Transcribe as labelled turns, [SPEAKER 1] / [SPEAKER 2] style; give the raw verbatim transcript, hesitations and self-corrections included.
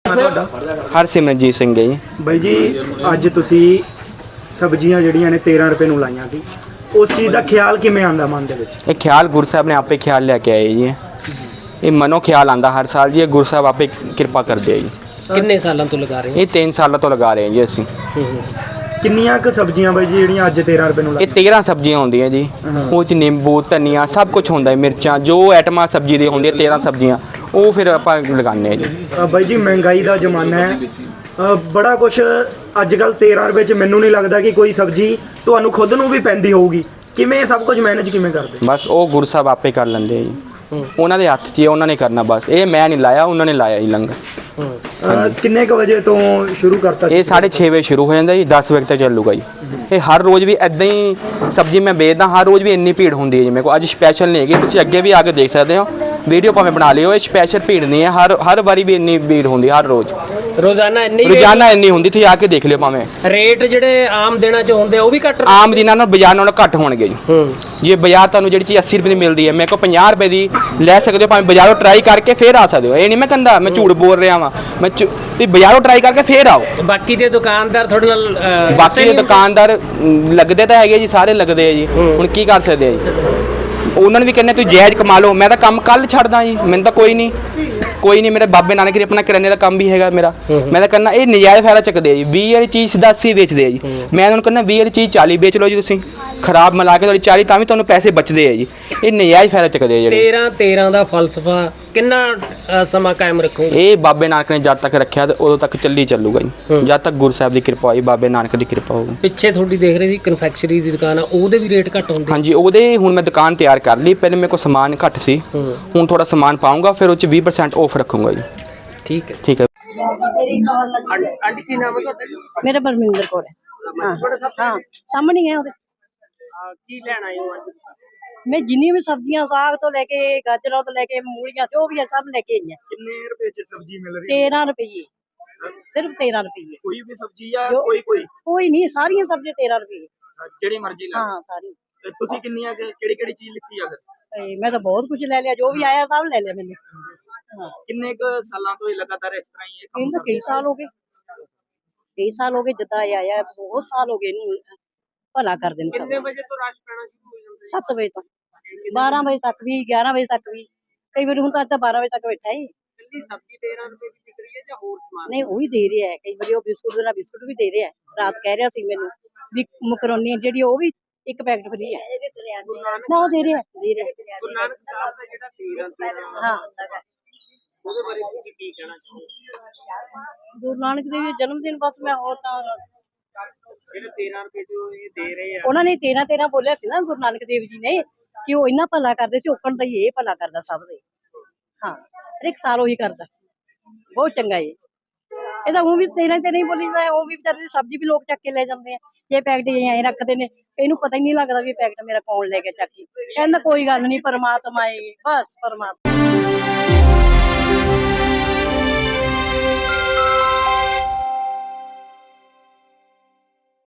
[SPEAKER 1] ਹਰਸਿਮਰਨਜੀਤ ਸਿੰਘ ਹੈ ਜੀ।
[SPEAKER 2] ਬਾਈ ਜੀ ਅੱਜ ਤੁਸੀਂ ਸਬਜ਼ੀਆਂ ਜਿਹੜੀਆਂ ਨੇ ਤੇਰਾਂ ਰੁਪਏ ਨੂੰ ਲਾਈਆਂ ਸੀ, ਉਸ ਚੀਜ਼ ਦਾ ਖਿਆਲ ਕਿਵੇਂ ਆਂਦਾ ਮਨ ਦੇ ਵਿੱਚ?
[SPEAKER 1] ਇਹ ਖਿਆਲ ਗੁਰੂ ਸਾਹਿਬ ਨੇ ਆਪੇ ਖਿਆਲ ਲੈ ਕੇ ਆਏ ਜੀ। ਇਹ ਮਨੋਂ ਖਿਆਲ ਆਂਦਾ ਹਰ ਸਾਲ ਜੀ। ਇਹ ਗੁਰੂ ਸਾਹਿਬ ਆਪੇ ਕਿਰਪਾ ਕਰਦੇ ਆ ਜੀ।
[SPEAKER 3] ਕਿੰਨੇ ਸਾਲਾਂ ਤੋਂ ਲਗਾ ਰਹੇ ਹੋ?
[SPEAKER 1] ਇਹ ਤਿੰਨ ਸਾਲਾਂ ਤੋਂ ਲਗਾ ਰਹੇ ਹਾਂ ਜੀ ਅਸੀਂ।
[SPEAKER 2] ਕਿੰਨੀਆਂ ਕੁ ਸਬਜ਼ੀਆਂ ਬਾਈ ਜੀ ਜਿਹੜੀਆਂ ਅੱਜ ਤੇਰਾਂ ਰੁਪਏ ਨੂੰ
[SPEAKER 1] ਇਹ
[SPEAKER 2] ਲਾਈਆਂ?
[SPEAKER 1] ਤੇਰਾਂ ਸਬਜ਼ੀਆਂ ਹੁੰਦੀਆਂ ਜੀ। ਉਹ 'ਚ ਨਿੰਬੂ, ਧਨੀਆ ਸਭ ਕੁਝ ਹੁੰਦਾ ਹੈ, ਮਿਰਚਾਂ ਜੋ ਆਈਟਮਾਂ ਸਬਜ਼ੀ ਦੀ ਹੁੰਦੀਆਂ ਤੇਰਾਂ ਸਬਜ਼ੀਆਂ ਉਹ ਫਿਰ ਆਪਾਂ ਲਗਾਉਂਦੇ ਹਾਂ ਜੀ।
[SPEAKER 2] ਅ, ਬਾਈ ਜੀ ਮਹਿੰਗਾਈ ਦਾ ਜ਼ਮਾਨਾ ਹੈ, ਅ, ਬੜਾ ਕੁਝ ਅੱਜ ਕੱਲ੍ਹ ਤੇਰਾਂ ਰੁਪਏ 'ਚ ਮੈਨੂੰ ਨਹੀਂ ਲੱਗਦਾ ਕਿ ਕੋਈ ਸਬਜ਼ੀ ਤੁਹਾਨੂੰ ਖੁਦ ਨੂੰ ਵੀ ਪੈਂਦੀ ਹੋਊਗੀ। ਕਿਵੇਂ ਸਭ ਕੁਝ ਮੈਨੇਜ ਕਿਵੇਂ ਕਰਦੇ?
[SPEAKER 1] ਬਸ ਉਹ ਗੁਰੂ ਸਾਹਿਬ ਆਪੇ ਕਰ ਲੈਂਦੇ ਆ ਜੀ। ਉਹਨਾਂ ਦੇ ਹੱਥ 'ਚ ਹੀ ਹੈ, ਉਹਨਾਂ ਨੇ ਕਰਨਾ ਬਸ। ਇਹ ਮੈਂ ਨਹੀਂ ਲਾਇਆ, ਉਹਨਾਂ ਨੇ ਲਾਇਆ ਜੀ ਲੰਗਰ।
[SPEAKER 2] ਅ, ਕਿੰਨੇ ਕੁ ਵਜੇ ਤੋਂ ਸ਼ੁਰੂ ਕਰਤਾ?
[SPEAKER 1] ਇਹ ਸਾਢੇ ਛੇ ਵਜੇ ਸ਼ੁਰੂ ਹੋ ਜਾਂਦਾ ਜੀ, ਦਸ ਵਜੇ ਤੱਕ ਚੱਲੂਗਾ ਜੀ। ਇਹ ਹਰ ਰੋਜ਼ ਵੀ ਇੱਦਾਂ ਹੀ ਸਬਜ਼ੀ ਮੈਂ ਵੇਚਦਾ, ਹਰ ਰੋਜ਼ ਵੀ ਇੰਨੀ ਭੀੜ ਹੁੰਦੀ ਹੈ ਜੀ ਮੇਰੇ ਕੋਲ। ਅੱਜ ਸਪੈਸ਼ਲ ਨਹੀਂ ਹੈਗੀ, ਤੁਸੀਂ ਅੱਗੇ ਵੀ ਆ ਕੇ ਦੇਖ ਸਕਦੇ ਹੋ, ਵੀਡੀਓ ਭਾਵੇਂ ਬਣਾ ਲਿਓ। ਇਹ ਸਪੈਸ਼ਲ ਭੀੜ ਨਹੀਂ ਹੈ, ਹਰ ਹਰ ਵਾਰੀ ਵੀ ਇੰਨੀ ਭੀੜ ਹੁੰਦੀ ਹਰ ਰੋਜ਼।
[SPEAKER 3] ਰੋਜ਼ਾਨਾ ਇੰਨੀ
[SPEAKER 1] ਰੋਜ਼ਾਨਾ ਇੰਨੀ ਹੁੰਦੀ, ਤੁਸੀਂ ਆ ਕੇ ਦੇਖ ਲਿਓ। ਭਾਵੇਂ
[SPEAKER 3] ਰੇਟ ਜਿਹੜੇ ਆਮ ਦਿਨਾਂ 'ਚ ਹੁੰਦੇ ਉਹ ਵੀ ਘੱਟ,
[SPEAKER 1] ਆਮ ਦਿਨਾਂ ਨਾਲ ਬਾਜ਼ਾਰ ਨਾਲੋਂ ਘੱਟ ਹੋਣਗੇ ਜੀ। ਜੇ ਬਾਜ਼ਾਰ ਤੁਹਾਨੂੰ ਜਿਹੜੀ ਚੀਜ਼ ਅੱਸੀ ਰੁਪਏ ਦੀ ਮਿਲਦੀ ਹੈ, ਮੇਰੇ ਕੋਲ ਪੰਜਾਹ ਰੁਪਏ ਦੀ ਲੈ ਸਕਦੇ ਹੋ। ਭਾਵੇਂ ਬਾਜ਼ਾਰੋਂ ਟਰਾਈ ਕਰਕੇ ਫੇਰ ਆ ਸਕਦੇ ਹੋ। ਇਹ ਨਹੀਂ ਮੈਂ ਕਹਿੰਦਾ ਮੈਂ ਝੂਠ ਬੋਲ ਰਿਹਾ ਵਾਂ, ਮੈਂ ਤੁਸੀਂ ਬਾਜ਼ਾਰੋਂ ਟਰਾਈ ਕਰਕੇ ਫੇਰ ਆਓ।
[SPEAKER 3] ਬਾਕੀ ਦੇ ਦੁਕਾਨਦਾਰ ਤੁਹਾਡੇ ਨਾਲ ਅਹ,
[SPEAKER 1] ਬਾਕੀ ਦੇ ਦੁਕਾਨਦਾਰ ਅਮ, ਲੱਗਦੇ ਤਾਂ ਹੈਗੇ ਜੀ, ਸਾਰੇ ਲੱਗਦੇ ਆ ਜੀ। ਹੁਣ ਕੀ ਕਰ ਸਕਦੇ ਆ ਜੀ? ਉਹਨਾਂ ਨੂੰ ਵੀ ਕਹਿੰਦੇ ਤੁਸੀਂ ਜਾਇਜ਼ ਕਮਾ ਲਓ। ਮੈਂ ਤਾਂ ਕੰਮ ਕੱਲ ਛੱਡਦਾ ਜੀ, ਮੈਨੂੰ ਤਾਂ ਕੋਈ ਨਹੀਂ ਕੋਈ ਨਹੀਂ। ਮੇਰੇ ਬਾਬੇ ਨਾਨਕ ਦੇ ਆਪਣਾ ਕਰਿਆਨੇ ਦਾ ਕੰਮ ਵੀ ਹੈਗਾ ਮੇਰਾ। ਮੈਂ ਤਾਂ ਕਹਿੰਦਾ ਇਹ ਨਜਾਇਜ਼ ਫਾਇਦਾ ਚੱਕਦੇ ਆ ਜੀ। ਵੀਹ ਵਾਲੀ ਚੀਜ਼ ਸਿੱਧਾ ਅੱਸੀ ਵੇਚਦੇ ਆ ਜੀ। ਮੈਂ ਉਹਨਾਂ ਨੂੰ ਕਹਿੰਦਾ ਵੀਹ ਵਾਲੀ ਚੀਜ਼ ਚਾਲੀ ਵੇਚ ਲਓ ਜੀ ਤੁਸੀਂ, ਖਰਾਬ ਮਿਲਾ ਕੇ ਤੁਹਾਡੀ ਚਾਲੀ, ਤਾਂ ਵੀ ਤੁਹਾਨੂੰ ਪੈਸੇ ਬਚਦੇ ਆ ਜੀ। ਇਹ ਨਜਾਇਜ਼ ਫਾਇਦਾ ਚੱਕਦੇ ਆ ਜਿਹੜੇ।
[SPEAKER 3] ਤੇਰਾਂ ਤੇਰਾਂ ਦਾ ਫਲਸਫਾ ਕਿੰਨਾ ਅਹ, ਸਮਾਂ ਕਾਇਮ ਰੱਖੋਗੇ?
[SPEAKER 1] ਇਹ ਬਾਬੇ ਨਾਨਕ ਨੇ ਜਦ ਤੱਕ ਰੱਖਿਆ ਤੇ ਉਦੋਂ ਤੱਕ ਚੱਲੀ ਚੱਲੂਗਾ ਜੀ। ਜਦ ਤੱਕ ਗੁਰੂ ਸਾਹਿਬ ਦੀ ਕਿਰਪਾ ਹੋਈ, ਬਾਬੇ ਨਾਨਕ ਦੀ ਕਿਰਪਾ ਹੋਊਗੀ।
[SPEAKER 3] ਪਿੱਛੇ ਤੁਹਾਡੀ ਦੇਖ ਰਹੇ ਸੀ ਕਨਫੈਕਸ਼ਨਰੀ ਦੀ ਦੁਕਾਨ ਆ, ਉਹਦੇ ਵੀ ਰੇਟ ਘੱਟ ਹੁੰਦੇ?
[SPEAKER 1] ਹਾਂਜੀ, ਉਹਦੇ ਹੁਣ ਮੈਂ ਦੁਕਾਨ ਤਿਆਰ ਕਰ ਲਈ। ਪਹਿਲੇ ਮੇਰੇ ਕੋਲ ਸਮਾਨ ਘੱਟ ਸੀ, ਹੁਣ ਥੋੜਾ ਸਮਾਨ ਪਾਉਂਗਾ, ਫਿਰ ਉਹ 'ਚ ਵੀਹ ਪਰਸੈਂਟ ਆਫ ਰੱਖੂੰਗਾ ਜੀ।
[SPEAKER 3] ਠੀਕ ਹੈ
[SPEAKER 1] ਠੀਕ ਹੈ।
[SPEAKER 3] ਆਂਟੀ ਕੀ ਨਾਮ ਹੈ ਤੁਹਾਡਾ?
[SPEAKER 4] मेरा बलविंदर कौर है। हाँ हाँ सामने ही है ਉਹਦੇ।
[SPEAKER 3] ਕੀ ਲੈਣਾ ਹੈ ਅੱਜ?
[SPEAKER 4] मैं जिन्नी भी सब्जियां साग तो लेके गाजरों तो लेके मूलियां जो भी है सब लेके आई हैं।
[SPEAKER 2] ਕਿੰਨੇ ਰੁਪਏ 'ਚ ਸਬਜ਼ੀ ਮਿਲ ਰਹੀ ਹੈ?
[SPEAKER 4] तेरह रुपये, सिर्फ तेरह रुपये।
[SPEAKER 2] ਕੋਈ ਵੀ ਸਬਜ਼ੀ ਜਾਂ
[SPEAKER 4] ਜੋ-
[SPEAKER 2] ਕੋਈ ਕੋਈ
[SPEAKER 4] कोई नहीं, सारियां सब्जियां तेरह रुपये।
[SPEAKER 2] ਜਿਹੜੀ ਮਰਜ਼ੀ ਲਾ
[SPEAKER 4] हाँ सारी।
[SPEAKER 2] ਲਓ। ਤੁਸੀਂ ਕਿੰਨੀਆਂ ਕਿਹੜੀ ਕਿਹੜੀ ਚੀਜ਼ ਲਿੱਤੀ ਆ ਫਿਰ?
[SPEAKER 4] ते मैं तो बहुत कुछ ले लिया, जो भी आया सब ले लिया मैंने। हाँ
[SPEAKER 2] ਕਿੰਨੇ ਕੁ ਸਾਲਾਂ ਤੋਂ ਇਹ ਲਗਾਤਾਰ ਇਸ ਤਰ੍ਹਾਂ ਹੀ ਇਹ ਕੰਮ
[SPEAKER 4] इन तो कई साल हो गए, कई साल हो गए जदा ये आया, बहुत साल हो गए इनू भला कर देन सब।
[SPEAKER 3] ਵਜੇ ਤੋਂ ਰਸ਼ ਪੈਣਾ ਸ਼ੁਰੂ ਹੋ ਜਾਂਦਾ?
[SPEAKER 4] सत्त बजे तक, बारह बजे तक भी, ग्यारह बजे तक भी, कई बार हूं तो बारह बजे तक बैठा है।
[SPEAKER 3] ਕਿੰਨੀ ਸਬਜ਼ੀ ਤੇਰਾਂ ਰੁਪਏ ਦੀ ਵਿਕ ਰਹੀ ਹੈ ਜਾਂ ਹੋਰ ਸਮਾਨ?
[SPEAKER 4] नहीं वही दे रहे हैं, कई बार वो बिस्कुट देना बिस्कुट भी दे रहे हैं। रात कह रहा सी मैनू भी मकरोनी ਜਿਹੜੀ ਉਹ ਵੀ ਇੱਕ ਪੈਕਟ ਫਰੀ ਹੈ ਨਾ, ਉਹ ਦੇ ਰਹੇ ਹੈ ਦੇ ਰਹੇ
[SPEAKER 3] ਗੁਰੂ ਨਾਨਕ ਸਾਹਿਬ ਦਾ ਜਿਹੜਾ ਤੇਰਾਂ ਤੇਰਾਂ
[SPEAKER 4] ਹਾਂ।
[SPEAKER 3] ਉਹਦੇ ਬਾਰੇ ਤੁਸੀਂ ਕੀ ਕਹਿਣਾ ਚਾਹੋਗੇ?
[SPEAKER 4] ਗੁਰੂ ਨਾਨਕ ਦੇਵ ਜੀ ਜਨਮ ਦਿਨ ਬਸ ਮੈਂ ਹੋਰ ਤਾਂ
[SPEAKER 3] ਜਿਹੜੇ ਤੇਰਾਂ ਰੁਪਏ ਜੋ ਇਹ ਦੇ ਰਹੇ ਆ,
[SPEAKER 4] ਉਹਨਾਂ ਨੇ ਤੇਰਾਂ ਤੇਰਾਂ ਬੋਲਿਆ ਸੀ ਨਾ ਗੁਰੂ ਨਾਨਕ ਦੇਵ ਜੀ ਨੇ, ਕਿ ਉਹ ਇੰਨਾ ਭਲਾ ਕਰਦੇ ਸੀ, ਔਕਣ ਦਾ ਹੀ ਇਹ ਭਲਾ ਕਰਦਾ ਸਭ ਦੇ। ਹਾਂ ਹਰ ਇੱਕ ਸਾਲ ਉਹੀ ਕਰਦਾ, ਬਹੁਤ ਚੰਗਾ ਇਹ। ਇਹਦਾ ਉਹ ਵੀ ਤੇਰਾਂ ਤੇ ਨਹੀਂ ਬੋਲੀਦਾ, ਉਹ ਵੀ ਵਿਚਾਰੇ ਦੀ ਸਬਜ਼ੀ ਵੀ ਲੋਕ ਚੱਕ ਕੇ ਲੈ ਜਾਂਦੇ ਆ। ਇਹ ਪੈਕਟ ਐਂ ਰੱਖਦੇ ਨੇ, ਇਹਨੂੰ ਪਤਾ ਹੀ ਨਹੀਂ ਲੱਗਦਾ ਵੀ ਇਹ ਪੈਕਟ ਮੇਰਾ ਕੌਣ ਲੈ ਕੇ ਚੱਕੀ। ਕਹਿੰਦਾ ਕੋਈ ਗੱਲ ਨਹੀਂ, ਪਰਮਾਤਮਾ ਏ, ਬਸ ਪਰਮਾਤਮਾ।